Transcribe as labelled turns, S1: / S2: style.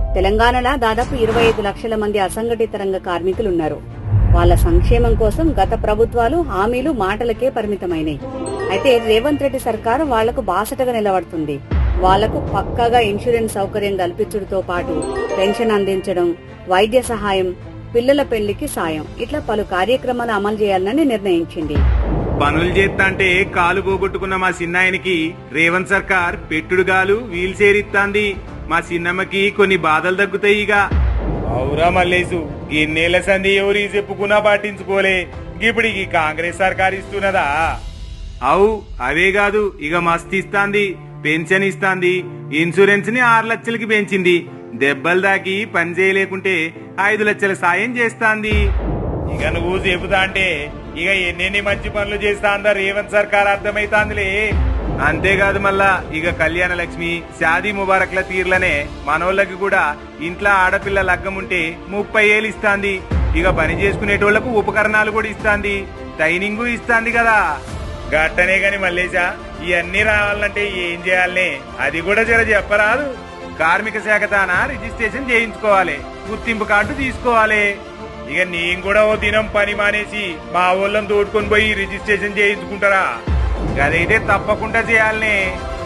S1: తెలంగాణలో దాదాపు 25 లక్షల మంది అసంఘటిత రంగ కార్మికులున్నారు. వాళ్ల సంక్షేమం కోసం గత ప్రభుత్వాలు హామీలు మాటలకే పరిమితమైనాయి. అయితే రేవంత్ రెడ్డి సర్కారు వాళ్లకు బాసటగా నిలబడుతుంది. వాళ్లకు పక్కాగా ఇన్సూరెన్స్ సౌకర్యం కల్పించడంతో పాటు పెన్షన్ అందించడం, వైద్య సహాయం, పిల్లల పెళ్లికి సాయం ఇట్లా పలు కార్యక్రమాలు అమలు చేయాలని నిర్ణయించింది.
S2: పనులు చేస్తాంటే కాలు పోగొట్టుకున్న మా చిన్నాయనికి రేవంత్ సర్కార్ పెట్టుడుగాలు వీల్ చేరిస్తాంది. మా చిన్నమ్మకి కొన్ని బాధలు తగ్గుతాయిగా. అవురా మల్లేసు, ఎన్నేళ్ల సంధి ఎవరి చెప్పుకున్నా పట్టించుకోలే. ఇప్పుడు ఈ కాంగ్రెస్ సర్కార్ ఇస్తున్నదా? అవు అవే కాదు, ఇక మస్తు ఇస్తాంది. పెన్షన్ ఇస్తాంది. ఇన్సూరెన్స్ ని 6 లక్షలకి పెంచింది. దెబ్బలు దాకి పని చేయలేకుంటే 5 లక్షల సాయం చేస్తాంది. ఇక నువ్వు చెబుతా అంటే ఇక ఎన్నెన్ని మంచి పనులు చేస్తాందా రేవంత్ సర్కార్ అర్థమైతాందిలే. అంతేకాదు మళ్ళా ఇక కళ్యాణ లక్ష్మి, షాదీ ముబారక్ల తీర్లనే మనోళ్ళకి కూడా ఇంట్లో ఆడపిల్ల లగ్గముంటే 30 ఏళ్ళు ఇస్తాంది. ఇక పని చేసుకునేటోళ్లకు ఉపకరణాలు కూడా ఇస్తాంది. ట్రైనింగ్ ఇస్తాంది కదా. గట్టనే గాని మల్లేశా, ఇవన్నీ రావాలంటే ఏం చేయాలనే అది కూడా జర చెప్పరాదు. కార్మిక శాఖ తాన రిజిస్ట్రేషన్ చేయించుకోవాలి, గుర్తింపు కార్డు తీసుకోవాలి. ఇక నేను కూడా ఓ దినం పని మానేసి మా ఊళ్ళని తోడుకొని పోయి రిజిస్ట్రేషన్ చేయించుకుంటారా? అదైతే తప్పకుండా చేయాలనే.